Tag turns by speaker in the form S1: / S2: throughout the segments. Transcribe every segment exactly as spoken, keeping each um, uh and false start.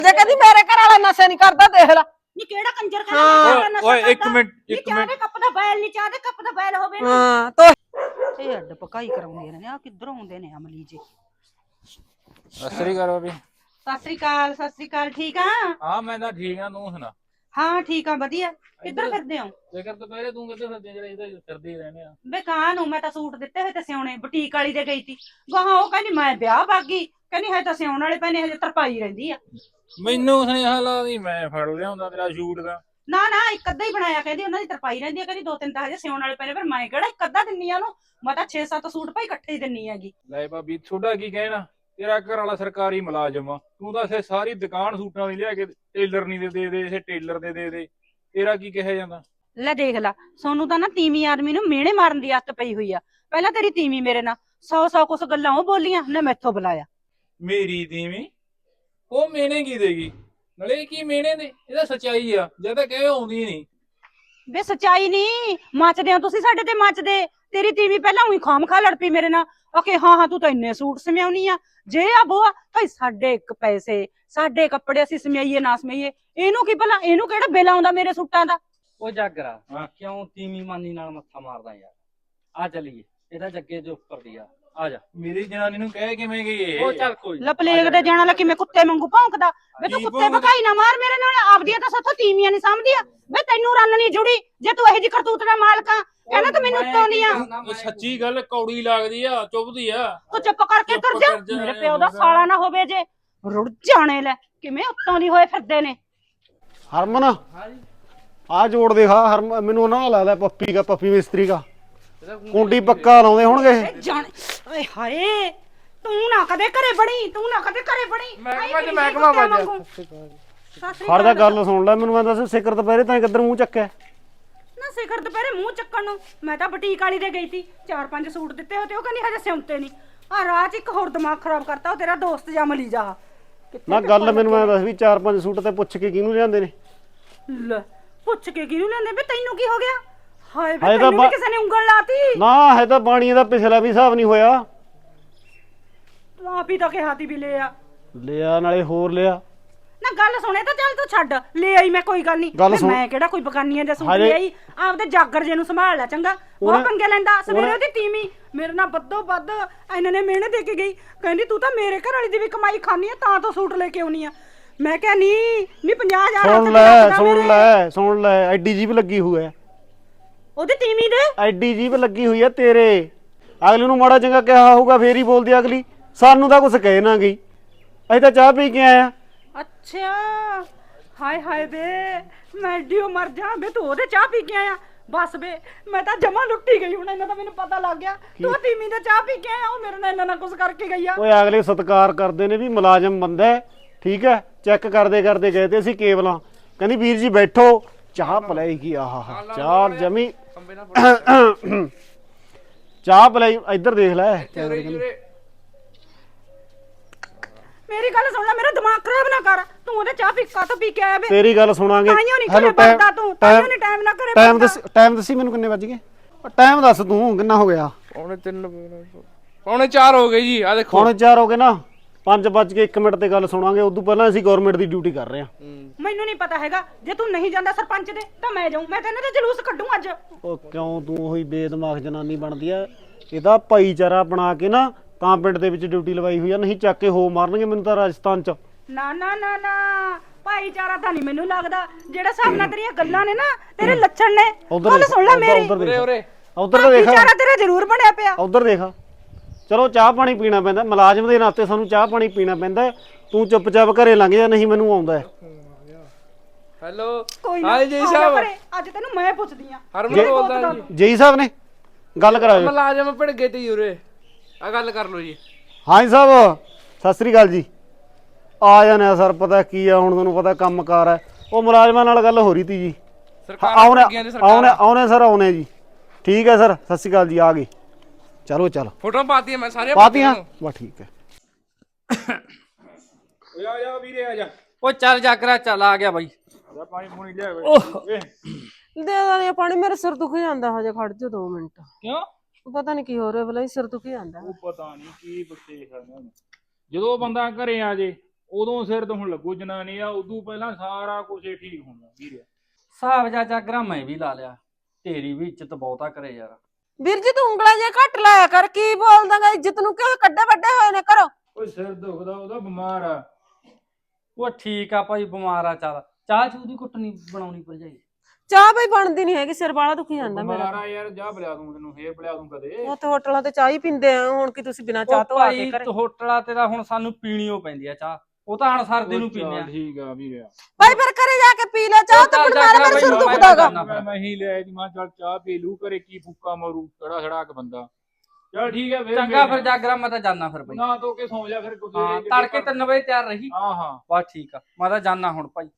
S1: ਜੇ ਕਹਿੰਦੀ ਮੇਰੇ ਘਰ ਵਾਲਾ ਨਸ਼ੇ ਨਹੀਂ ਕਰਦਾ ਦੇਖ ਲੈ
S2: ਨੀ ਕਿਹੜਾ ਕੰਜਰ ਖਾਣਾ
S3: ਓਏ ਇੱਕ ਮਿੰਟ ਇੱਕ ਮਿੰਟ
S2: ਚਾਹ ਦੇ ਕੱਪ ਦਾ ਬੈਲ ਨਹੀਂ ਚਾਹ ਦੇ ਕੱਪ ਦਾ ਬੈਲ ਹੋਵੇ ਨਾ
S1: ਹਾਂ ਤੋ
S2: ਇਹ ਅੱਡ ਪਕਾਈ ਕਰਾਉਂਦੀਆਂ ਨੇ ਆ ਕਿੱਧਰੋਂ ਆਉਂਦੇ ਨੇ ਅਮਲੀ ਜੀ।
S3: ਅਸਰੀ ਕਰੋ ਵੀ।
S2: ਸਤਿ ਸ੍ਰੀ ਅਕਾਲ ਸਤਿ ਸ੍ਰੀ ਅਕਾਲ ਠੀਕ ਆ?
S3: ਹਾਂ ਮੈਂ ਤਾਂ ਠੀਕ ਆ ਤੂੰ ਸੁਣਾ।
S2: ਹਾਂ ਠੀਕ ਆ ਵਧੀਆ। ਕਿੱਧਰ ਫਿਰਦੇ ਹੋ?
S3: ਜੇਕਰ ਦੁਪਹਿਰੇ ਤੂੰ ਕਿੱਥੇ ਫਿਰਦੇ ਜਿਹੜਾ ਇਹਦਾ ਫਿਰਦੇ ਹੀ ਰਹਿੰਦੇ ਆ।
S2: ਬੇ ਕਾਂ ਨੂੰ ਮੈਂ ਤਾਂ ਸੂਟ ਦਿੱਤੇ ਹੋਏ ਤੇ ਸਿਉਣੇ ਬੁਟੀਕ ਵਾਲੀ ਦੇ ਗਈ ਤੀ ਗਾਹਾਂ ਉਹ ਕਹਿੰਦੀ ਮੈਂ ਵਿਆਹ ਬਾਗੀ ਕਹਿੰਦੀ ਹੈ ਤਾਂ ਸਿਉਣ ਵਾਲੇ ਪੈਨੇ ਹਜੇ ਤਰਪਾਈ ਰਹਿੰਦੀ ਆ।
S3: ਮੈਨੂੰ ਸੁਨੇਹਾ ਲਾਦੀ ਮੈਂ ਫੜ ਲਿਆਉਂਦਾ ਤੇਰਾ ਸ਼ੂਟ ਦਾ।
S2: ਨਾ ਨਾ ਇੱਕ ਅੱਧਾ ਹੀ ਬਣਾਇਆ ਕਹਿੰਦੀ ਉਹਨਾਂ ਦੀ ਤਰਪਾਈ ਰਹਿੰਦੀ ਆ ਕਹਿੰਦੀ ਦੋ ਤਿੰਨ ਤਾਂ ਹਜੇ ਸਿਉਣ ਵਾਲੇ ਪੈਨੇ ਫਿਰ ਮੈਂ ਕਿਹੜਾ ਇੱਕ ਅੱਧਾ ਦਿੰਨੀ ਆ ਉਹਨੂੰ ਮੈਂ ਤਾਂ ਛੇ ਸੱਤ ਸੂਟ ਭਾਈ ਇਕੱਠੇ ਹੀ ਦਿੰਨੀ ਹੈਗੀ।
S3: ਲੈ ਭਾਬੀ ਤੁਹਾਡਾ ਕੀ ਕਹਿਣਾ ਤੇਰਾ ਘਰ ਵਾਲਾ ਸਰਕਾਰੀ ਮੁਲਾਜ਼ਮ ਆ ਤੂੰ ਤਾਂ ਇਥੇ ਸਾਰੀ ਦੁਕਾਨ ਸੂਟਾਂ ਦੀ ਲਿਆ ਕੇ ਟੇਲਰ ਨਹੀਂ ਦੇ ਦੇ ਦੇ ਇਸੇ ਟੇਲਰ ਦੇ ਦੇ ਦੇ ਤੇਰਾ ਕੀ ਕਿਹਾ ਜਾਂਦਾ।
S2: ਲੈ ਦੇਖ ਲਾ ਸੋਨੂੰ ਤਾਂ ਨਾ ਤੀਵੀਂ ਆਦਮੀ ਨੂੰ ਮਿਹਣੇ ਮਾਰਨ ਦੀ ਆਦਤ ਪਈ ਹੋਈ ਆ। ਪਹਿਲਾਂ ਤੇਰੀ ਤੀਵੀਂ ਮੇਰੇ ਨਾਲ ਸੌ ਸੌ ਕੁਛ ਗੱਲਾਂ ਉਹ ਬੋਲੀਆਂ ਨੇ ਮੈਥੋਂ ਬੁਲਾਇਆ।
S3: ਮੇਰੀ ਤੀਵੀਂ ਉਹ ਮੇਨੇ ਕੀ ਦੇਗੀ ਨਲੇ ਕੀ ਮੇਨੇ ਦੇ ਇਹਦਾ ਸੱਚਾਈ ਆ ਜਦ ਤੱਕ ਇਹ ਆਉਂਦੀ ਨਹੀਂ।
S2: ਵੇ ਸੱਚਾਈ ਨਹੀਂ ਮੱਚਦੇ ਹੋ ਤੁਸੀਂ ਸਾਡੇ ਤੇ ਮੱਚਦੇ। ਤੇਰੀ ਤੀਵੀਂ ਪਹਿਲਾਂ ਉਹੀ ਖਾਮ ਖਾ ਲੜ ਪਈ ਮੇਰੇ ਨਾਲ ਓਕੇ ਹਾਂ ਹਾਂ ਤੂੰ ਤਾਂ ਇੰਨੇ ਸੂਟ ਸਮਿਆਉਣੀ ਆ ਜੇ ਆ ਬੋਆ ਭਾਈ ਸਾਡੇ ਇੱਕ ਪੈਸੇ ਸਾਡੇ ਕੱਪੜੇ ਅਸੀਂ ਸਮਿਆਈਏ ਨਾ ਸਮਿਆਈਏ ਇਹਨੂੰ ਕੀ ਭਲਾ ਇਹਨੂੰ ਕਿਹੜਾ ਬਿੱਲ ਆਉਂਦਾ ਮੇਰੇ ਸੂਟਾਂ ਦਾ।
S4: ਉਹ ਜਾਗਰਾ ਕਿਉਂ ਤੀਵੀਂ ਮਾਨੀ ਨਾਲ ਮੱਥਾ ਮਾਰਦਾ ਯਾਰ ਆ ਚੱਲੀਏ ਇਹਦਾ ਜੱਗੇ ਦੇ ਉੱਪਰ ਦੀ ਆ ਆ ਜਾ।
S3: ਮੇਰੀ ਜਨਾਨੀ ਨੂੰ ਕਹਿ ਕਿਵੇਂ ਗਈ ਇਹ
S4: ਉਹ ਚੱਲ ਕੋਈ
S2: ਲਪਲੇਗ ਦੇ ਜਾਣਾ ਲਾ ਕਿਵੇਂ ਕੁੱਤੇ ਵਾਂਗੂ ਭੌਂਕਦਾ ਵੇ ਤੂੰ ਕੁੱਤੇ ਭਕਾਈ ਨਾ ਮਾਰ ਮੇਰੇ ਨਾਲ ਆਪਦੀਆਂ ਤਾਂ ਸਾਥੋਂ ਤੀਵੀਆਂ ਨਹੀਂ ਸਮਝਦੀਆਂ ਵੇ ਤੈਨੂੰ ਰੰਨ ਨਹੀਂ ਜੁੜੀ ਜੇ ਤੂੰ ਇਹੋ ਜਿਹੀ ਕਰਤੂਤ ਦਾ ਮਾਲਕ ਆ ਕਹਿੰਦਾ ਤੂੰ ਮੈਨੂੰ ਉੱਤੋਂ ਨਹੀਂ ਆ।
S3: ਉਹ ਸੱਚੀ ਗੱਲ ਕੌੜੀ ਲੱਗਦੀ ਆ ਚੁੱਭਦੀ ਆ।
S2: ਤੂੰ ਚੁੱਪ ਕਰਕੇ ਤੁਰ ਜਾ
S3: ਕਰ ਜਾ,
S2: ਮੇਰੇ ਪਿਓ ਦਾ ਸਾਲਾ ਨਾ ਹੋਵੇ ਜੇ ਰੁੜ ਜਾਣੇ ਲੈ ਕਿਵੇਂ ਉੱਤੋਂ ਦੀ ਹੋਏ ਫਿਰਦੇ ਨੇ।
S5: ਹਰਮਨ ਆ ਜੋੜ ਦੇਖਾ ਹਰਮ ਮੈਨੂੰ ਉਹਨਾਂ ਨਾਲ ਲੱਗਦਾ ਪੱਪੀ ਦਾ ਪੱਪੀ ਮਿਸਤਰੀ ਦਾ ਕੁੰਡੀ ਪੱਕਾ ਲਾਉਂਦੇ ਹੋਣਗੇ।
S2: ਜਾਣ ਓਏ ਹਾਏ ਤੂੰ ਨਾ ਕਦੇ ਘਰੇ ਬਣੀ ਤੂੰ ਨਾ ਕਦੇ ਘਰੇ ਬਣੀ
S3: ਮਹਿਕਮਾ ਤੇ ਮਹਿਕਮਾ ਵੱਜਿਆ।
S5: ਫੜ ਜਾ ਗੱਲ ਸੁਣ ਲੈ ਮੈਨੂੰ ਮੈਂ ਦੱਸ ਸਿਖਰ ਦੁਪਹਿਰੇ ਤਾਂ ਕਿੱਧਰ ਮੂੰਹ ਚੱਕਿਆ
S2: ਨਾ ਸਿਖਰ ਦੁਪਹਿਰੇ ਮੂੰਹ ਚੱਕਣ ਨੂੰ ਮੈਂ ਤਾਂ ਬੁਟੀਕ ਵਾਲੀ ਦੇ ਗਈ ਸੀ ਚਾਰ ਪੰਜ ਸੂਟ ਦਿੱਤੇ ਹੋ ਤੇ ਉਹ ਕਹਿੰਦੀ ਹਜੇ ਸਿਉਂਤੇ ਨਹੀਂ ਆ ਰਾਤ ਇੱਕ ਹੋਰ ਦਿਮਾਗ ਖਰਾਬ ਕਰਤਾ ਉਹ ਤੇਰਾ ਦੋਸਤ ਜਾਂ ਮਲੀ ਜਾ
S5: ਨਾ ਗੱਲ ਮੈਨੂੰ ਮੈਂ ਦੱਸ ਵੀ ਚਾਰ ਪੰਜ ਸੂਟ ਤੇ ਪੁੱਛ ਕੇ ਕਿਹਨੂੰ ਲਿਆਂਦੇ ਨੇ।
S2: ਲੈ ਪੁੱਛ ਕੇ ਕਿਹਨੂੰ ਲੈਂਦੇ ਵੇ ਤੈਨੂੰ ਕੀ ਹੋ ਗਿਆ ਹਾਏ ਵੇ
S5: ਹਾਏ ਤਾਂ
S2: ਤੈਨੂੰ ਵੀ ਕਿਸੇ ਨੇ ਉਂਗਲ ਲਾਤੀ
S5: ਨਾ ਹੈ ਤਾਂ ਬਾਣੀ ਦਾ ਪਿਛਲਾ ਵੀ ਹਿਸਾਬ ਨਹੀਂ ਹੋਇਆ।
S2: ਤੂੰ ਆਪ ਹੀ ਤਾਂ ਕਿਹਾ ਤੀ ਵੀ ਲੈ ਆ
S5: ਲਿਆ ਨਾਲੇ ਹੋਰ ਲਿਆ
S2: ਨਾ ਗੱਲ ਸੁਣੇ ਤਾਂ ਚੱਲ ਤੂੰ ਛੱਡ ਲੈ ਆਈ ਮੈਂ ਕੋਈ ਗੱਲ ਨਹੀਂ ਮੈਂ ਕਿਹੜਾ ਕੋਈ ਬਗਾਨੀਆਂ ਦੇ ਸੂਟ ਲੈ ਆਈ ਆਪਦੇ ਜਾਗਰ ਜੇ ਨੂੰ ਸੰਭਾਲ ਲੈ ਚੰਗਾ ਬਹੁਤ ਪੰਗੇ ਲੈਂਦਾ ਸਵੇਰੇ ਉਹਦੀ ਤੀਵੀਂ ਮੇਰੇ ਨਾਲ ਵੱਧੋ ਵੱਧ ਇਹਨਾਂ ਨੇ ਮਿਹਨਤ ਦੇ ਕੇ ਗਈ ਕਹਿੰਦੀ ਤੂੰ ਤਾਂ ਮੇਰੇ ਘਰ ਵਾਲੀ ਦੀ ਵੀ ਕਮਾਈ ਖਾਣੀ ਆ ਤਾਂ ਤੂੰ ਸੂਟ ਲੈ ਕੇ ਆਉਣੀ ਆ। ਮੈਂ ਕਿਹਾ ਨਹੀਂ ਨਹੀਂ ਪੰਜਾਹ ਹਜ਼ਾਰ
S5: ਸੁਣ ਲੈ ਸੁਣ ਲੈ ਸੁਣ ਲੈ ਐਡੀ ਜੀਬ ਲੱਗੀ ਹੋਈ ਹੈ
S2: ਉਹਦੀ ਤੀਵੀਂ ਦੇ
S5: ਐਡੀ ਜੀਬ ਲੱਗੀ ਹੋਈ ਹੈ ਤੇਰੇ ਅਗਲੇ ਨੂੰ ਮਾੜਾ ਚੰਗਾ ਕਿਹਾ ਹੋਊਗਾ ਫੇਰ ਹੀ ਬੋਲਦੀ ਅਗਲੀ ਸਾਨੂੰ ਤਾਂ ਕੁਛ ਕਹਿ ਨਾ ਗਈ ਅਸੀਂ ਤਾਂ ਚਾਹ ਪੀ ਕੇ ਆਏ ਆ।
S2: ਅੱਛਾ ਹਾਏ ਹਾਏ ਵੇ ਮੈਂ ਡੀਓ ਮਰ ਜਾ ਵੇ ਤੂੰ ਉਹਦੇ ਚਾਹ ਪੀ ਕੇ ਆਇਆ ਬਸ ਵੇ ਮੈਂ ਤਾਂ ਜਮਾ ਲੁੱਟੀ ਗਈ ਹੁਣ ਇਹਨਾਂ ਦਾ ਮੈਨੂੰ ਪਤਾ ਲੱਗ ਗਿਆ ਤੂੰ ਤੀਵੀਂ ਦਾ ਚਾਹ ਪੀ ਕੇ ਆਇਆ ਉਹ ਮੇਰੇ ਨਾਲ ਇਹਨਾਂ ਨਾਲ ਕੁਛ ਕਰਕੇ ਗਈ ਆ।
S5: ਓਏ ਅਗਲੇ ਸਤਿਕਾਰ ਕਰਦੇ ਨੇ ਵੀ ਮੁਲਾਜ਼ਮ ਬੰਦਾ ਹੈ ਠੀਕ ਹੈ ਚੈੱਕ ਕਰਦੇ ਕਰਦੇ ਗਏ ਤੇ ਅਸੀਂ ਕੇਬਲਾਂ ਕਹਿੰਦੀ ਵੀਰ ਜੀ ਬੈਠੋ ਚਾਹ ਪਲਾਈ ਕੀ ਆਹਾ ਚਾਹ ਜਮੀ ਚਾਹ ਪਲਾਈ ਇੱਧਰ ਦੇਖ ਲੈ
S2: ਮੇਰੀ ਗੱਲ ਸੁਣ ਲੈ ਮੇਰਾ ਦਿਮਾਗ ਖਰਾਬ ਨਾ ਕਰ ਤੂੰ ਉਹਦੇ ਚਾਹ ਪੀ ਕਾ ਤੋਂ ਪੀ ਕੇ ਆਇਆ ਵੇ
S5: ਤੇਰੀ ਗੱਲ ਸੁਣਾਂਗੇ
S2: ਹੈਲੋ ਟਾਈਮ ਤੂੰ ਟਾਈਮ ਨਹੀਂ ਟਾਈਮ ਨਾ ਕਰੇ
S5: ਟਾਈਮ ਦੱਸ ਟਾਈਮ ਦੱਸੀ ਮੈਨੂੰ ਕਿੰਨੇ ਵੱਜ ਗਏ ਟਾਈਮ ਦੱਸ ਤੂੰ ਕਿੰਨਾ ਹੋ ਗਿਆ।
S6: ਪੌਣੇ ਤਿੰਨ ਪੌਣੇ ਚਾਰ ਹੋ ਗਏ ਜੀ ਆ ਦੇਖੋ
S5: ਪੌਣੇ ਚਾਰ ਹੋ ਗਏ ਨਾ ਪੰਜ ਵੱਜ ਕੇ ਇੱਕ ਮਿੰਟ ਤੇ ਗੱਲ ਸੁਣਾਂਗੇ ਉਦੋਂ ਪਹਿਲਾਂ ਅਸੀਂ ਗਵਰਨਮੈਂਟ ਦੀ ਡਿਊਟੀ ਕਰ ਰਹੇ ਹਾਂ।
S2: ਮੈਨੂੰ ਨਹੀਂ ਪਤਾ ਹੈਗਾ ਜੇ ਤੂੰ ਨਹੀਂ ਜਾਂਦਾ ਸਰਪੰਚ ਦੇ ਤਾਂ ਮੈਂ ਜਾਊਂ ਮੈਂ ਤਾਂ ਇਹਨਾਂ ਦੇ ਜਲੂਸ ਕੱਢੂੰ ਅੱਜ।
S5: ਉਹ ਕਿਉਂ ਤੂੰ ਉਹੀ ਬੇਦਮਾਗ ਜਨਾਨੀ ਬਣਦੀ ਆ ਇਹਦਾ ਭਾਈਚਾਰਾ ਬਣਾ ਕੇ ਨਾ ਤਾਂ ਪਿੰਡ ਦੇ ਵਿੱਚ ਡਿਊਟੀ ਲਵਾਈ ਹੋਈ ਆ ਨਹੀਂ ਚੱਕ ਕੇ ਹੋ ਮਾਰਨਗੇ ਮੈਨੂੰ ਤਾਂ ਰਾਜਸਥਾਨ ਚ।
S2: ਨਾ ਨਾ ਨਾ ਨਾ ਭਾਈਚਾਰਾ ਤਾਂ ਨਹੀਂ ਮੈਨੂੰ ਲੱਗਦਾ ਜਿਹੜਾ ਹਿਸਾਬ ਨਾਲ ਤੇਰੀਆਂ ਗੱਲਾਂ ਨੇ ਨਾ ਤੇਰੇ ਲੱਛਣ ਨੇ ਗੱਲ ਸੁਣ ਲੈ ਮੇਰੀ
S5: ਉਰੇ ਉਰੇ ਉਧਰ ਤਾਂ ਦੇਖ
S2: ਭਾਈਚਾਰਾ ਤੇਰਾ ਜ਼ਰੂਰ ਬਣਿਆ ਪਿਆ
S5: ਉਧਰ ਦੇਖ ਚਲੋ ਚਾਹ ਪਾਣੀ ਪੀਣਾ ਪੈਂਦਾ ਮੁਲਾਜ਼ਮ ਦੇ ਨਾਤੇ ਸਾਨੂੰ ਚਾਹ ਪਾਣੀ ਪੀਣਾ ਪੈਂਦਾ ਤੂੰ ਚੁੱਪਚਾਪ ਘਰੇ ਲੰਘ ਜਾ ਨਹੀਂ ਮੈਨੂੰ ਆਉਂਦਾ ਹੈ।
S6: ਹੈਲੋ
S2: ਹਾਂ ਜੀ ਸਾਹਿਬ ਅੱਜ ਤੈਨੂੰ ਮੈਂ ਪੁੱਛਦੀ ਆ
S6: ਹਰਮਨ ਬੋਲਦਾ ਜੀ
S5: ਜੇਈ ਸਾਹਿਬ ਨੇ ਗੱਲ ਕਰਾਓ
S6: ਮੁਲਾਜ਼ਮ ਭਿੜ ਗਏ ਤੇ ਉਰੇ ਆ ਗੱਲ ਕਰ ਲਓ ਜੀ।
S5: ਹਾਂ ਜੀ ਸਾਹਿਬ ਸਤਿ ਸ੍ਰੀ ਅਕਾਲ ਜੀ ਆ ਜਾਣੇ ਆ ਸਰ ਪਤਾ ਕੀ ਆ ਹੁਣ ਤੁਹਾਨੂੰ ਪਤਾ ਕੰਮਕਾਰ ਹੈ ਉਹ ਮੁਲਾਜ਼ਮਾਂ ਨਾਲ ਗੱਲ ਹੋ ਰਹੀ ਤੀ ਜੀ ਆਉਣੇ ਆਉਣੇ ਆਉਣੇ ਸਰ ਆਉਣੇ ਜੀ ਠੀਕ ਹੈ ਸਰ ਸਤਿ ਸ੍ਰੀ ਅਕਾਲ ਜੀ ਆ ਗਏ ਚਲੋ ਚਲ
S6: ਫੋਟੋ ਪਾਤੀ ਮੈਂ ਸਾਰੇ
S5: ਪਾਤੀਆਂ ਬਸ ਠੀਕ ਹੈ।
S3: ਓਏ ਆ ਜਾ ਵੀਰੇ ਆ ਜਾ
S4: ਉਹ ਚੱਲ ਜਾਗਰਾ ਚੱਲ ਆ ਗਿਆ ਬਾਈ
S3: ਜਾ ਪਾਣੀ ਪੂਣੀ ਲਿਆ ਓਏ
S1: ਦੇ ਦੇ ਪਾਣੀ ਮੇਰੇ ਸਿਰ ਦੁਖ ਜਾਂਦਾ ਹਜੇ ਖੜ ਜਾ ਦੋ ਮਿੰਟ
S3: ਕਿਉਂ
S1: ਪਤਾ ਨਹੀਂ ਕੀ ਹੋ ਰਿਹਾ ਬਲਾ ਸਿਰ ਦੁਖ ਜਾਂਦਾ
S3: ਉਹ ਪਤਾ ਨਹੀਂ ਕੀ ਬੱਤੇ ਖਾਣਾ ਜਦੋਂ ਬੰਦਾ ਘਰੇ ਆ ਜੇ ਉਦੋਂ ਸਿਰ ਤੋਂ ਹੁਣ ਲੱਗੂ ਜਨਾਨੀ ਆ, ਉਦੋਂ ਪਹਿਲਾਂ ਸਾਰਾ ਕੁਝ ਠੀਕ ਹੋਣਾ ਵੀਰੇ।
S4: ਹਿਸਾਬ ਜਾ ਜਾਗਰਾ ਮੈਂ ਵੀ ਲਾ ਲਿਆ, ਤੇਰੀ ਵੀ ਇੱਜ਼ਤ ਬਹੁਤਾ ਕਰੇ ਯਾਰ।
S1: ਵੀਰ ਜੀ ਤੂੰ ਉਂਗਲਾਂ ਜੇ ਘੱਟ ਲਾਇਆ ਕਰ, ਕੀ ਬੋਲਦਾਗਾ? ਇੱਜ਼ਤ ਨੂੰ ਕਿਉਂ ਕੱਡੇ ਵੱਡੇ ਹੋਏ ਨੇ ਘਰੋਂ?
S3: ਓਏ ਸਿਰ ਦੁਖਦਾ, ਉਹਦਾ ਬਿਮਾਰ ਆ।
S4: ਉਹ ਠੀਕ ਆ ਭਾਈ, ਬਿਮਾਰ ਆ। ਚੱਲ ਚਾਹ ਚੂਹ ਦੀ ਕੁੱਟ ਨਹੀਂ ਬਣਾਉਣੀ ਭਰਜਾਈ?
S1: ਚਾਹ ਬਈ ਬਣਦੀ ਨਹੀਂ ਹੈਗੀ, ਸਿਰ ਵਾਲਾ ਦੁਖੀ ਜਾਂਦਾ ਮੇਰਾ।
S3: ਬਿਮਾਰ ਆ ਯਾਰ, ਜਾ ਬਲਿਆ ਦੂੰ ਤੈਨੂੰ, ਫੇਰ ਬਲਿਆ ਦੂੰ ਕਦੇ।
S1: ਉਹ ਤੇ ਹੋਟਲਾਂ ਤੇ ਚਾਹ ਹੀ ਪੀਂਦੇ ਆ, ਹੁਣ ਕੀ ਤੁਸੀਂ ਬਿਨਾਂ ਚਾਹ ਤੋਂ ਆ ਕੇ ਘਰੇ?
S4: ਹੋਟਲਾਂ ਤੇ ਤਾਂ ਹੁਣ ਸਾਨੂੰ ਪੀਣੀ ਓ ਪੈਂਦੀ ਆ ਚਾਹ, ਉਹ ਤਾਂ ਹੁਣ ਸਰਦੀ ਨੂੰ ਪੀਂਦੇ ਆ।
S3: ਠੀਕ ਆ ਵੀਰੇ।
S1: ਭਾਈ ਫਿਰ ਘਰੇ ਜਾ ਕੇ ਪੀ ਲੈ ਚਾਹ, ਤੇ ਫਿਰ ਮੇਰਾ ਸਿਰ ਦੁਖਦਾਗਾ।
S3: ਮੈਂ ਹੀ ਲਿਆ ਜੀ, ਮੈਂ ਚੱਲ ਚਾਹ ਪੀ ਲੂ, ਘਰੇ ਕੀ ਫੁੱਕਾ ਮਾਰੂ ਖੜਾ ਖੜਾ ਕੇ ਬੰਦਾ। ਚੱਲ ਠੀਕ ਹੈ ਫਿਰ।
S4: ਚੰਗਾ ਫਿਰ ਜਾਗਰਾ, ਮੈਂ ਤਾਂ ਜਾਣਾ ਫਿਰ ਬਈ।
S3: ਨਾ ਧੋ ਕੇ ਸੌਂ ਜਾ ਫਿਰ।
S4: ਹਾਂ ਤੜਕੇ ਤਿੰਨ ਵਜੇ ਤਿਆਰ ਰਹੀ।
S3: ਹਾਂ ਹਾਂ
S4: ਬਸ ਠੀਕ ਆ, ਮੈਂ ਤਾਂ ਜਾਣਾ ਹੁਣ ਭਾਈ।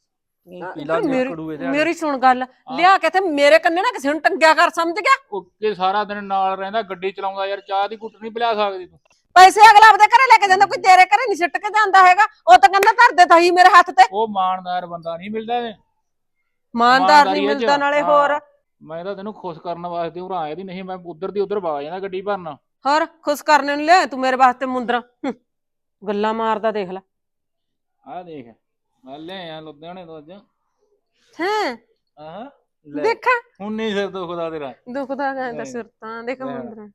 S1: ਮੇਰੀ ਸੁਣ ਗੱਲ, ਲਿਆ ਕੇ ਤੇ ਮੇਰੇ ਕੰਨੇ ਨਾ ਕਿਸੇ ਨੂੰ ਟੰਗਿਆ ਕਰ, ਸਮਝ ਗਿਆ?
S3: ਓਕੇ, ਸਾਰਾ ਦਿਨ ਨਾਲ ਰਹਿੰਦਾ, ਗੱਡੀ ਚਲਾਉਂਦਾ ਯਾਰ, ਚਾਹ ਦੀ ਘੁੱਟ ਨਹੀਂ ਪਿਲਾ ਸਕਦੀ ਤੂੰ?
S1: ਪੈਸੇ ਅਗਲਾ ਆਪਦੇ ਘਰੇ ਲੈ ਕੇ ਜਾਂਦਾ, ਕੋਈ ਤੇਰੇ ਘਰੇ ਨਹੀਂ ਸਿੱਟ ਕੇ ਜਾਂਦਾ ਹੈਗਾ। ਉਹ ਤਾਂ ਕਹਿੰਦਾ ਧਰਦੇ ਤਾਂ ਹੀ ਮੇਰੇ ਹੱਥ ਤੇ।
S3: ਉਹ ਇਮਾਨਦਾਰ ਬੰਦਾ ਨਹੀਂ ਮਿਲਦਾ।
S1: ਇਮਾਨਦਾਰ ਨਹੀਂ ਮਿਲਦਾ, ਨਾਲੇ ਹੋਰ
S3: ਮੈਂ ਤਾਂ ਤੈਨੂੰ ਖੁਸ਼ ਕਰਨ ਵਾਸਤੇ ਉਰਾ ਆਇਆ ਦੀ, ਨਹੀਂ ਮੈਂ ਉਧਰ ਦੀ ਉਧਰ ਵਾ ਜਾਂਦਾ ਗੱਡੀ ਭਰਨਾ।
S1: ਹੋਰ ਖੁਸ਼ ਕਰਨੇ ਨੂੰ ਲਿਆ ਤੂੰ ਮੇਰੇ ਵਾਸਤੇ ਮੁੰਦਰਾ, ਗੱਲਾਂ ਮਾਰਦਾ ਦੇਖ ਲੈ।
S3: ਆਹ ਦੇਖ, ਮੈਂ ਲਿਆ ਲੁਧਿਆਣੇ ਤੋਂ ਅੱਜ।
S1: ਹੈਂ
S3: ਆਹ
S1: ਦੇਖਾਂ,
S3: ਹੁਣ ਨਹੀਂ ਸਿਰ ਦੁਖਦਾ ਤੇਰਾ?
S1: ਦੁਖਦਾ ਕਹਿੰਦਾ ਸਿਰ ਤਾਂ, ਦੇਖ ਮੁੰਦਰਾ।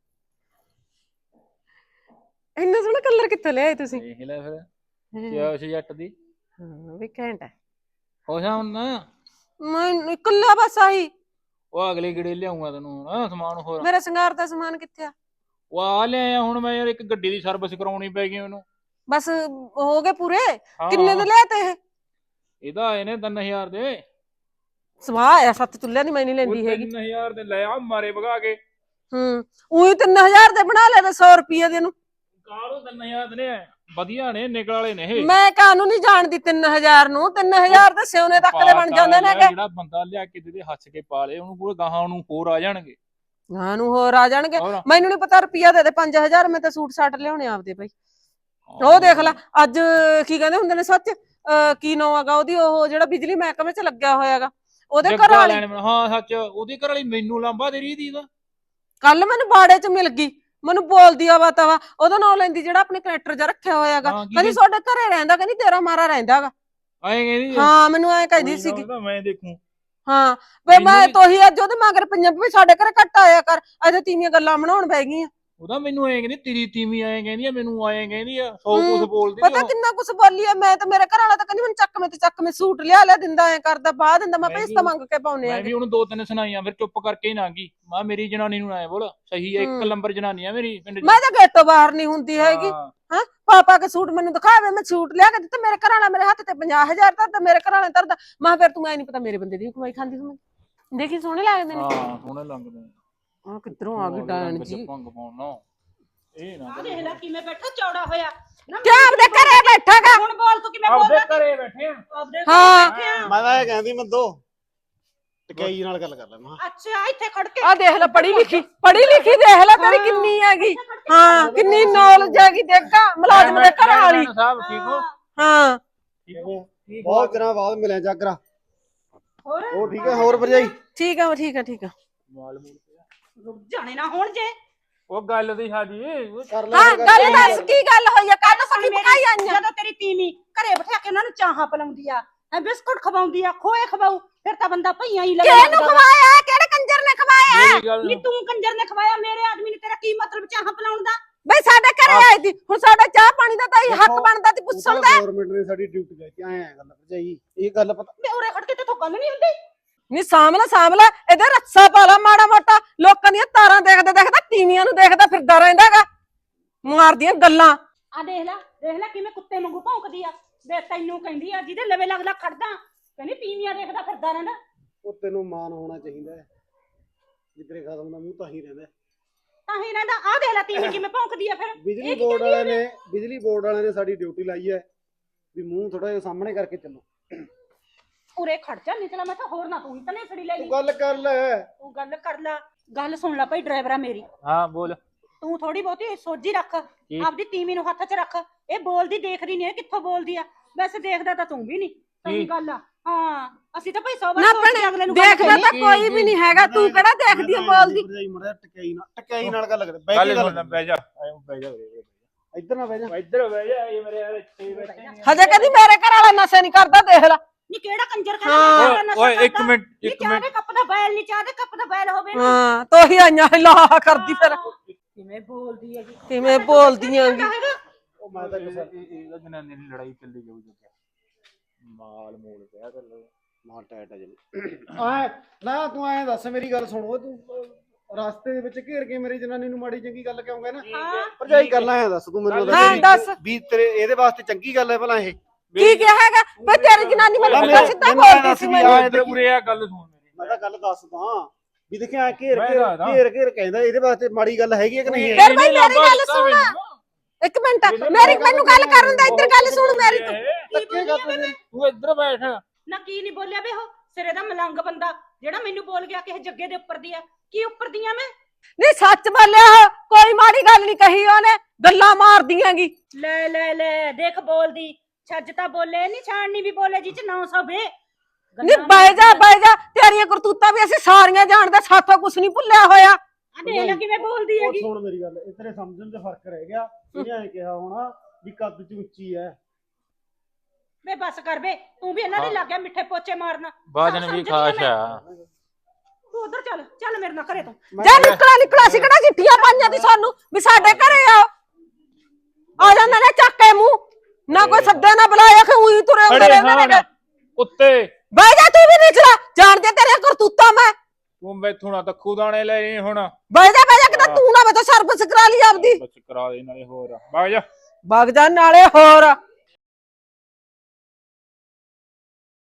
S1: ਇੰਨਾ ਸੋਹਣਾ ਕਲਰ ਕਿੱਥੋਂ ਲਿਆਏ ਤੁਸੀਂ?
S3: ਦੇਖ ਲੈ ਫਿਰ, ਕਿਆ ਉਸ ਜੱਟ ਦੀ।
S1: ਹਾਂ ਵੀ ਘੈਂਟ ਹੈ।
S3: ਹੋ ਜਾ ਹੁਣ ਨਾ,
S1: ਮੈਂ ਇਕੱਲਾ ਬਸ ਆਹੀ।
S3: ਉਹ ਅਗਲੇ ਗੇੜੇ ਲਿਆਉਂਗਾ ਤੈਨੂੰ ਹੁਣ ਸਮਾਨ ਹੋਰ।
S1: ਮੇਰਾ ਸ਼ਿੰਗਾਰ ਦਾ ਸਮਾਨ ਕਿੱਥੇ ਆ?
S3: ਉਹ ਆ ਲਿਆਇਆ ਹੁਣ ਮੈਂ ਯਾਰ, ਇੱਕ ਗੱਡੀ ਦੀ ਸਰਵਿਸ ਕਰਾਉਣੀ ਪੈ ਗਈ ਮੈਨੂੰ।
S1: ਬਸ ਹੋ ਗਏ ਪੂਰੇ? ਕਿੰਨੇ ਦੇ ਲਿਆ ਤੇ ਇਹ?
S3: ਇਹਦਾ ਆਏ ਨੇ ਤਿੰਨ ਹਜ਼ਾਰ ਦੇ।
S1: ਸਵਾਹ ਆ, ਸੱਤ ਚੁੱਲ੍ਹਿਆਂ ਦੀ ਮੈਂ ਨਹੀਂ ਲੈਂਦੀ ਹੈਗੀ।
S3: ਤਿੰਨ ਹਜ਼ਾਰ ਦੇ ਲੈ ਆ ਮਾਰੇ ਭਗਾ ਕੇ।
S1: ਹੂੰ ਉਹੀ ਤਿੰਨ ਹਜ਼ਾਰ ਦੇ ਬਣਾ ਲੈ ਤੇ ਸੌ ਰੁਪਏ ਦੇ ਨੂੰ।
S3: ਕਾਹਨੂੰ ਤਿੰਨ ਹਜ਼ਾਰ ਦੇ ਨੇ, ਵਧੀਆ ਨੇ, ਨਿਕਲ ਵਾਲੇ ਨੇ ਇਹ।
S1: ਮੈਂ ਕਾਹਨੂੰ ਨਹੀਂ ਜਾਣਦੀ ਤਿੰਨ ਹਜ਼ਾਰ ਨੂੰ। ਤਿੰਨ ਹਜ਼ਾਰ ਦੇ ਸਿਉਨੇ ਤੱਕ ਦੇ ਬਣ ਜਾਂਦੇ ਨੇ।
S3: ਜਿਹੜਾ ਬੰਦਾ ਲਿਆ ਕੇ ਦੇ ਹੱਸ ਕੇ ਪਾ ਲੇ, ਉਹਨੂੰ ਪੂਰੇ ਗਾਹਾਂ ਨੂੰ ਹੋਰ ਆ ਜਾਣਗੇ।
S1: ਗਾਹਾਂ ਨੂੰ ਹੋਰ ਆ ਜਾਣਗੇ। ਮੈਨੂੰ ਨਹੀਂ ਪਤਾ, ਰੁਪਿਆ ਦੇ ਦੇ ਪੰਜ ਹਜ਼ਾਰ, ਮੈਂ ਤਾਂ ਸੂਟ ਸਾਟ ਲਿਆਉਣੇ ਆਪਦੇ ਬਈ। ਉਹ ਦੇਖ ਲੈ ਅੱਜ ਕੀ ਕਹਿੰਦੇ ਹੁੰਦੇ ਨੇ, ਸੱਚ ਕੀ ਨਾਂ ਹੈਗਾ ਉਹਦੀ, ਉਹ ਜਿਹੜਾ ਬਿਜਲੀ ਮਹਿਕਮੇ ਚ ਲੱਗਿਆ ਹੋਇਆਗਾ, ਉਹਦੇ ਘਰ ਵਾਲੀ।
S3: ਹਾਂ ਸੱਚ, ਉਹਦੀ ਘਰ ਵਾਲੀ ਮੈਨੂੰ ਲਾਂਬਾ ਦੇ ਰਹੀ ਦੀ ਦਾ।
S1: ਕੱਲ ਮੈਨੂੰ ਬਾੜੇ ਚ ਮਿਲ ਗਈ, ਮੈਨੂੰ ਬੋਲਦੀ ਆ ਵਾ ਤਵਾ, ਉਹਦਾ ਨਾਂ ਲੈਂਦੀ ਜਿਹੜਾ ਆਪਣੇ ਕਨੈਕਟਰ ਜਾ ਰੱਖਿਆ ਹੋਇਆਗਾ। ਕਹਿੰਦੀ ਤੁਹਾਡੇ ਘਰੇ ਰਹਿੰਦਾ, ਕਹਿੰਦੀ ਤੇਰਾ ਮਾਰਾ ਰਹਿੰਦਾਗਾ।
S3: ਐਂ ਕਹਿੰਦੀ?
S1: ਹਾਂ ਮੈਨੂੰ ਐਂ ਕਹਿੰਦੀ ਸੀਗੀ।
S3: ਮੈਂ ਦੇਖੂ।
S1: ਹਾਂ ਵੇ ਮੈਂ ਤੋਹੀ ਅੱਜ ਉਹਦੇ ਮਗਰ ਪਈਆਂ ਵੀ ਸਾਡੇ ਘਰੇ ਘੱਟ ਆਇਆ ਕਰ, ਅਜੇ ਤੀਵੀਆਂ ਗੱਲਾਂ ਬਣਾਉਣ ਬੈ ਗਈਆਂ।
S3: ਉਹਦਾ ਮੈਨੂੰ ਐਂ ਕਹਿੰਦੀ, ਤੇਰੀ ਤੀਵੀਂ ਐਂ ਕਹਿੰਦੀ ਆ, ਮੈਨੂੰ ਐਂ ਕਹਿੰਦੀ ਆ, ਸੌ ਕੁਛ ਬੋਲਦੀ।
S1: ਪਤਾ ਕਿੰਨਾ ਕੁਛ ਬੋਲੀ ਆ ਮੈਂ ਤਾਂ। ਮੇਰੇ ਘਰ ਵਾਲਾ ਤਾਂ ਕਹਿੰਦੀ ਮੈਨੂੰ ਚੱਕ ਮੈਂ ਤੇ ਚੱਕ ਮੈਂ ਸੂਟ ਲਿਆ ਲਿਆ ਦਿੰਦਾ, ਐ ਕਰਦਾ ਬਾਹ ਦਿੰਦਾ। ਮੈਂ ਪੈਸੇ ਤਾਂ ਮੰਗ ਕੇ ਪਾਉਨੇ ਆ।
S3: ਮੈਂ ਵੀ ਉਹਨੂੰ ਦੋ ਤਿੰਨ ਸੁਣਾਈਆਂ, ਫਿਰ ਚੁੱਪ ਕਰਕੇ ਹੀ ਨਾ ਗਈ। ਮੈਂ ਮੇਰੀ ਜਨਾਨੀ ਨੂੰ ਐ ਬੋਲ, ਸਹੀ ਹੈ, ਇੱਕ ਨੰਬਰ ਜਨਾਨੀ ਆ ਮੇਰੀ ਪਿੰਡ ਚ।
S1: ਮੈਂ ਤਾਂ ਗੇਟੋਂ ਬਾਹਰ ਨਹੀਂ ਹੁੰਦੀ ਹੈਗੀ। ਹਾਂ ਪਾਪਾ ਕੇ ਸੂਟ ਮੈਨੂੰ ਦਿਖਾਵੇ, ਮੈਂ ਸੂਟ ਲਿਆ ਕੇ ਦਿੱਤਾ। ਮੇਰੇ ਘਰ ਵਾਲਾ ਮੇਰੇ ਹੱਥ ਤੇ ਪੰਜਾਹ ਹਜ਼ਾਰ ਧਰਦਾ, ਮੇਰੇ ਘਰ ਵਾਲੇ ਧਰਦਾ। ਮੈਂ ਫਿਰ ਤੂੰ ਐ ਨਹੀਂ ਪਤਾ ਮੇਰੇ ਬੰਦੇ ਦੀ ਕਮਾਈ ਖਾਂਦੀ ਤੂੰ। ਦੇਖੀ ਸੋਹਣੇ ਲੱਗਦੇ ਨੇ।
S3: ਹਾਂ ਸੋਹਣੇ ਲੱਗਦੇ ਨੇ।
S1: ਆ ਕਿੱਧਰੋਂ ਆ ਗਈ ਡਾਇਣ ਜੀ।
S3: ਭੰਗ ਪਾਉਣਾ ਇਹ ਨਾ।
S2: ਆ ਦੇਖ ਲੈ ਕਿਵੇਂ ਬੈਠਾ ਚੌੜਾ ਹੋਇਆ ਨਾ।
S1: ਕਿਆ ਆਪਦੇ ਘਰੇ ਬੈਠਾਗਾ?
S2: ਹੁਣ ਬੋਲ ਤੂੰ ਕਿਵੇਂ ਬੋਲਦਾ?
S3: ਆਪਦੇ ਘਰੇ ਬੈਠੇ ਆ।
S2: ਆਪਦੇ
S1: ਹਾਂ
S5: ਮੈਂ ਤਾਂ ਇਹ ਕਹਿੰਦੀ ਮੈਂ ਦੋ ਟਕਾਈ ਨਾਲ ਗੱਲ ਕਰ ਲੈ। ਮੈਂ
S2: ਅੱਛਾ ਇੱਥੇ ਖੜ ਕੇ
S1: ਆ ਦੇਖ ਲੈ, ਪੜ੍ਹੀ ਲਿਖੀ ਪੜ੍ਹੀ ਲਿਖੀ ਦੇਖ ਲੈ ਤੇਰੀ ਕਿੰਨੀ ਹੈਗੀ। ਹਾਂ ਕਿੰਨੀ ਨੌਲੇਜ ਹੈਗੀ। ਦੇਖਾ ਮੁਲਾਜ਼ਮ ਦੇ ਘਰ ਵਾਲੀ।
S3: ਸਾਹਿਬ ਠੀਕ ਹੋ?
S1: ਹਾਂ
S5: ਬਹੁਤ ਦਿਨਾਂ ਬਾਅਦ ਮਿਲਿਆ ਜਾਗਰਾ।
S2: ਹੋਰ
S5: ਉਹ ਠੀਕ ਹੈ? ਹੋਰ ਭਰਜਾਈ
S1: ਠੀਕ ਆ ਠੀਕ ਆ ਠੀਕ ਆ।
S2: ਰੁਕ ਜਾਣੇ ਨਾ ਹੁਣ ਜੇ।
S3: ਉਹ ਗੱਲ ਦੀ ਸਾਡੀ
S5: ਕਰ ਲੈ।
S1: ਹਾਂ ਗੱਲ ਦੱਸ ਕੀ ਗੱਲ ਹੋਈ ਆ? ਕੱਲ ਸੱਚੀ ਪਕਾਈ ਆਈਆਂ।
S2: ਜਦੋਂ ਤੇਰੀ ਤੀਵੀਂ ਘਰੇ ਬਿਠਾ ਕੇ ਉਹਨਾਂ ਨੂੰ ਚਾਹਾਂ ਪਲਾਉਂਦੀ ਆ, ਐ ਬਿਸਕੁਟ ਖਵਾਉਂਦੀ ਆ, ਖੋਏ ਖਵਾਉ, ਫਿਰ ਤਾਂ ਬੰਦਾ ਭਈਆਂ ਹੀ ਲੱਗਦਾ।
S1: ਕਿਹਨੂੰ ਖਵਾਇਆ? ਕਿਹੜੇ ਕੰਜਰ ਨੇ ਖਵਾਇਆ?
S2: ਨੀ ਤੂੰ ਕੰਜਰ ਨੇ ਖਵਾਇਆ, ਮੇਰੇ ਆਦਮੀ ਨੇ। ਤੇਰਾ ਕੀ ਮਤਲਬ ਚਾਹਾਂ ਪਲਾਉਣ ਦਾ?
S1: ਬਈ ਸਾਡੇ ਘਰੇ ਆਈ ਸੀ, ਹੁਣ ਸਾਡਾ ਚਾਹ ਪਾਣੀ ਦਾ ਤਾਂ ਹੀ ਹੱਕ ਬਣਦਾ ਸੀ ਪੁੱਛਣ ਦਾ।
S5: ਗਵਰਨਮੈਂਟ ਨੇ ਸਾਡੀ ਡਿਊਟੀ ਲੈ ਕੇ ਆਏ ਆ। ਗੱਲ ਭਰਜਾਈ ਇਹ ਗੱਲ ਪਤਾ
S2: ਮੈਂ ਉਰੇ ਖੜ ਕੇ ਤੇ ਗੱਲ ਨਹੀਂ ਹੁੰਦੀ।
S1: ਨੀ ਸਾਹਮਣੇ ਸਾਹਮਣੇ ਇਹਦੇ ਰੱਸਾ ਪਾ ਲਾ ਮਾੜਾ ਮੋਟਾ। ਲੋਕਾਂ ਦੀਆਂ ਤਾਰਾਂ ਦੇਖਦਾ ਦੇਖਦਾ ਤੀਵੀਆਂ ਨੂੰ ਦੇਖਦਾ ਫਿਰਦਾ ਰਹਿੰਦਾਗਾ, ਮਾਰਦੀਆਂ ਗੱਲਾਂ।
S2: ਆ ਦੇਖ ਲੈ ਦੇਖ ਲੈ ਕਿਵੇਂ ਕੁੱਤੇ ਵਾਂਗੂ ਭੌਂਕਦੀ ਆ। ਵੇ ਤੈਨੂੰ ਕਹਿੰਦੀ ਆ ਜਿਹਦੇ ਲਵੇ ਲੱਗਦਾ ਖੜਦਾ, ਕਹਿੰਦੀ ਤੀਵੀਆਂ ਦੇਖਦਾ ਫਿਰਦਾ ਰਹਿੰਦਾ।
S5: ਉਹ ਤੈਨੂੰ ਮਾਨ ਹੋਣਾ ਚਾਹੀਦਾ ਹੈ। ਜਿੱਦਰੇ ਖਤਮ ਦਾ ਮੂੰਹ ਤਾਂ ਹੀ ਰਹਿੰਦਾ
S2: ਤਾਂ ਹੀ ਰਹਿੰਦਾ। ਆ ਦੇਖ ਲੈ ਤੀਵੀਂ ਕਿਵੇਂ ਭੌਂਕਦੀ ਆ। ਫਿਰ
S5: ਬਿਜਲੀ ਬੋਰਡ ਵਾਲਿਆਂ ਨੇ ਬਿਜਲੀ ਬੋਰਡ ਵਾਲਿਆਂ ਨੇ ਸਾਡੀ ਡਿਊਟੀ ਲਾਈ ਹੈ ਵੀ ਮੂੰਹ ਥੋੜਾ ਜਿਹਾ ਸਾਹਮਣੇ ਕਰਕੇ ਚੱਲੋ।
S2: ਉਰੇ ਖੜ ਜਾ, ਨਿਕਲਾ ਮੈਂ ਤਾਂ ਹੋਰ ਨਾ ਤੂੰ ਹੀ ਤਨੇ ਸੜੀ ਲੈ ਲਈ।
S5: ਤੂੰ ਗੱਲ ਕਰ ਲੈ।
S2: ਤੂੰ ਗੱਲ ਕਰ ਲੈ। ਗੱਲ ਸੁਣ ਲੈ ਭਾਈ ਡਰਾਈਵਰਾ ਮੇਰੀ।
S3: ਹਾਂ ਬੋਲ।
S2: ਤੂੰ ਥੋੜੀ ਬਹੁਤੀ ਸੋਝੀ ਰੱਖ, ਆਪਦੀ ਤੀਵੀਂ ਨੂੰ ਹੱਥ 'ਚ ਰੱਖ। ਇਹ ਬੋਲਦੀ ਦੇਖ ਰਹੀ ਨਹੀਂ, ਕਿੱਥੋਂ ਬੋਲਦੀ ਆ। ਵੈਸੇ ਦੇਖਦਾ ਤਾਂ ਤੂੰ ਵੀ ਨਹੀਂ। ਸਹੀ ਗੱਲ ਆ। ਹਾਂ ਅਸੀਂ ਤਾਂ ਭਾਈ ਸੌ ਵਾਰ ਸੋਚਦੇ ਅਗਲੇ ਨੂੰ।
S1: ਦੇਖਦਾ ਤਾਂ ਕੋਈ ਵੀ ਨਹੀਂ ਹੈਗਾ, ਤੂੰ ਕਿਹੜਾ ਦੇਖਦੀ ਆ ਬੋਲਦੀ।
S5: ਭਰਜਾਈ ਮੜਾ ਟਕਾਈ ਨਾਲ ਟਕਾਈ ਨਾਲ ਗੱਲ ਕਰ। ਬੈ
S3: ਗੱਲ
S5: ਕੇ ਗੱਲ
S3: ਸੁਣ, ਬਹਿ ਜਾ, ਬਹਿ ਜਾ।
S5: ਇੱਧਰ ਨਾ ਬਹਿ ਜਾ।
S3: ਇੱਧਰ ਬਹਿ ਜਾ ਇਹ ਮੇਰੇ ਯਾਰ ਇੱਥੇ ਬੈਠੇ ਨੇ।
S1: ਹਜੇ ਕਹਿੰਦੀ ਮੇਰੇ ਘਰ ਵਾਲਾ ਨਸ਼ੇ ਨਹੀਂ ਕਰਦਾ ਦੇਖ ਲੈ।
S2: ਨੀ ਕਿਹੜਾ ਕੰਜਰ
S1: ਹਾਂ।
S2: ਕਰਦਾ
S3: ਓਏ ਇੱਕ ਮਿੰਟ
S2: ਨੀ
S3: ਇੱਕ
S2: ਚਾਹ
S3: ਮਿੰਟ
S2: ਦੇ ਕੱਪ ਦਾ ਬੈਲ ਨੀ ਚਾਹ ਦੇ ਕੱਪ ਦਾ ਬੈਲ ਹੋਵੇ ਨਾ
S1: ਹਾਂ ਤੋਹੀ ਆਈਆਂ ਲਾ ਕਰਦੀ ਫਿਰ
S2: ਕਿਵੇਂ ਬੋਲਦੀ ਹੈਗੀ
S1: ਕਿਵੇਂ ਬੋਲਦੀਆਂ ਗੀ।
S5: ਉਹ ਮੈਂ ਤਾਂ ਕਿਸੇ
S3: ਇਹਦਾ ਜਨਾਨੀ ਦੀ ਲੜਾਈ ਚੱਲੀ ਜਾਊ ਜੱਗਾ ਮਾਲ ਮੂਲ ਪਿਆ ਕਰ ਲੋ
S5: ਮਾਰ ਟੈਟ ਆ ਜਲੇ ਆ ਨਾ ਤੂੰ ਐਂ ਦੱਸ ਮੇਰੀ ਗੱਲ ਸੁਣ ਓਏ ਤੂੰ ਅਹ, ਰਸਤੇ ਦੇ ਵਿੱਚ ਘੇਰ ਕੇ ਮੇਰੀ ਜਨਾਨੀ ਨੂੰ ਮਾੜੀ ਚੰਗੀ ਗੱਲ ਕਿਉਂ ਕਹਿਣਾ
S2: ਹਾਂ
S5: ਭਰਜਾਈ ਗੱਲਾਂ ਐ ਦੱਸ ਤੂੰ ਮੈਨੂੰ
S1: ਹਾਂ ਦੱਸ
S5: ਵੀ ਤੇਰੇ ਇਹਦੇ ਵਾਸਤੇ ਚੰਗੀ ਗੱਲ ਹੈ ਭਲਾ ਇਹ
S1: ਕੀ ਕਿਹਾ ਹੈਗਾ ਬਈ ਤੇਰੀ ਜਨਾਨੀ ਮੈਨੂੰ
S5: ਮੇਰੇ-
S1: ਪਤਾ ਸਿੱਧਾ
S5: ਮੈਨੂੰ ਐਂ
S1: ਬੋਲਦੀ
S5: ਦੱਸ
S1: ਸੀ
S5: ਵੀ
S1: ਮੈਨੂੰ
S5: ਆ
S3: ਇੱਧਰ ਉਰੇ ਆ ਗੱਲ ਸੁਣ ਮੇਰੀ
S5: ਮੈਂ ਤਾਂ ਗੱਲ ਦੱਸਦਾ ਵੀ ਦੇਖਿਆ ਘੇਰ
S3: ਮੈਂ
S5: ਘੇਰ
S3: ਦੱਸਦਾ।
S5: ਘੇਰ ਘੇਰ ਕਹਿੰਦਾ ਇਹਦੇ ਵਾਸਤੇ ਮਾੜੀ ਗੱਲ ਹੈਗੀ ਹੈ ਕਿ ਨਹੀਂ
S1: ਫਿਰ ਬਈ ਮੇਰੀ ਗੱਲ ਸੁਣ ਇੱਕ ਮਿੰਟ ਮੇਰੀ ਮੈਨੂੰ ਗੱਲ ਕਰਨ ਦਾ ਇੱਧਰ ਗੱਲ ਸੁਣ ਮੇਰੀ ਤੂੰ
S5: ਧੱਕੇ ਕਰ ਤੂੰ
S3: ਤੂੰ ਇੱਧਰ ਬੈਠ
S2: ਨਾ ਕੀ ਨਹੀਂ ਬੋਲਿਆ ਵੇ ਉਹ ਸਿਰੇ ਦਾ ਮਲੰਗ ਬੰਦਾ ਜਿਹੜਾ ਮੈਨੂੰ ਬੋਲ ਗਿਆ ਕਿਸੇ ਜੱਗੇ ਦੇ ਉੱਪਰ ਦੀ ਆ ਕੀ ਉੱਪਰ ਦੀਆਂ ਮੈਂ
S1: ਨਹੀਂ ਸੱਚ ਬੋਲਿਆ ਕੋਈ ਮਾੜੀ ਗੱਲ ਨਹੀਂ ਕਹੀ ਉਹਨੇ ਗੱਲਾਂ ਮਾਰਦੀਆਂ ਗੀ
S2: ਲੈ ਲੈ ਲੈ ਦੇਖ ਬੋਲਦੀ ਛੱਜ ਤਾਂ ਬੋਲੇ ਨਹੀਂ ਛਾਣਨੀ ਵੀ ਬੋਲੇ ਜੀ ਚ ਨੌ ਸੌ ਵੇ
S1: ਨਹੀਂ ਬਹਿ ਜਾ ਬਹਿ ਜਾ ਤੇਰੀਆਂ ਕਰਤੂਤਾਂ ਵੀ ਅਸੀਂ ਸਾਰੀਆਂ ਜਾਣਦੇ ਸਾਥੋਂ ਕੁਛ ਨਹੀਂ ਭੁੱਲਿਆ ਹੋਇਆ
S2: ਆ ਦੇਖ ਲੈ ਕਿਵੇਂ ਬੋਲਦੀ
S5: ਉਹ
S2: ਹੈਗੀ
S5: ਸੁਣ ਮੇਰੀ ਗੱਲ ਇਹ ਤੇਰੇ ਸਮਝਣ 'ਚ ਫਰਕ ਰਹਿ ਗਿਆ ਇਹਨੇ ਐਂ ਕਿਹਾ ਹੋਣਾ ਵੀ ਕੱਦ 'ਚ ਉੱਚੀ ਐ
S2: ਵੇ ਬਸ ਕਰ ਵੇ ਤੂੰ ਵੀ ਇਹਨਾਂ ਦੇ ਲੱਗ ਗਿਆ ਮਿੱਠੇ ਪੋਚੇ ਮਾਰਨ
S3: ਬਾਜਨ ਵੀ ਖਾਸ਼ ਆ
S2: ਤੂੰ ਉਧਰ ਚੱਲ ਚੱਲ ਮੇਰੇ ਨਾਲ ਘਰੇ ਤੂੰ
S1: ਜਾ ਨਿਕਲਾ ਨਿਕਲਾ ਸੀ ਕਿਹੜਾ ਚਿੱਠੀਆਂ ਪਾਈਆਂ ਦੀ ਸਾਨੂੰ ਵੀ ਸਾਡੇ ਘਰੇ ਆ ਆ ਜਾਂਦਾ ਨੇ ਚੱਕ ਕੇ ਮੂੰਹ ਨਾ ਕੋਈ ਸੱਦਾ ਨਾ ਬੁਲਾਇਆ ਕਿ ਉਹੀ ਤੁਰੇ ਹੁੰਦੇ
S3: ਖੜੇ
S1: ਰਹਿੰਦੇ
S3: ਹਾਂ
S1: ਨੇ
S3: ਕੁੱਤੇ
S1: ਬਹਿ ਜਾ ਤੂੰ ਵੀ ਨਿਕਲਾ ਜਾਣਦੇ ਤੇਰੀਆਂ ਕਰਤੂਤਾਂ ਮੈਂ
S3: ਤੂੰ ਮੈਥੋਂ ਨਾ ਤੱਖੂ ਦਾਣੇ ਲੈ ਰਹੀ ਹੁਣ
S1: ਬਹਿ ਜਾ ਬਹਿ ਜਾ ਕਿਤੇ ਤੂੰ ਨਾ ਬਤਾ ਸਰਵਿਸ ਕਰਾ ਲਈ ਆਪਦੀ
S3: ਬਸ ਕਰਾ ਦੇ ਨਾਲੇ ਹੋਰ ਵਗ ਜਾ
S1: ਵਗ ਜਾ ਨਾਲੇ ਹੋਰ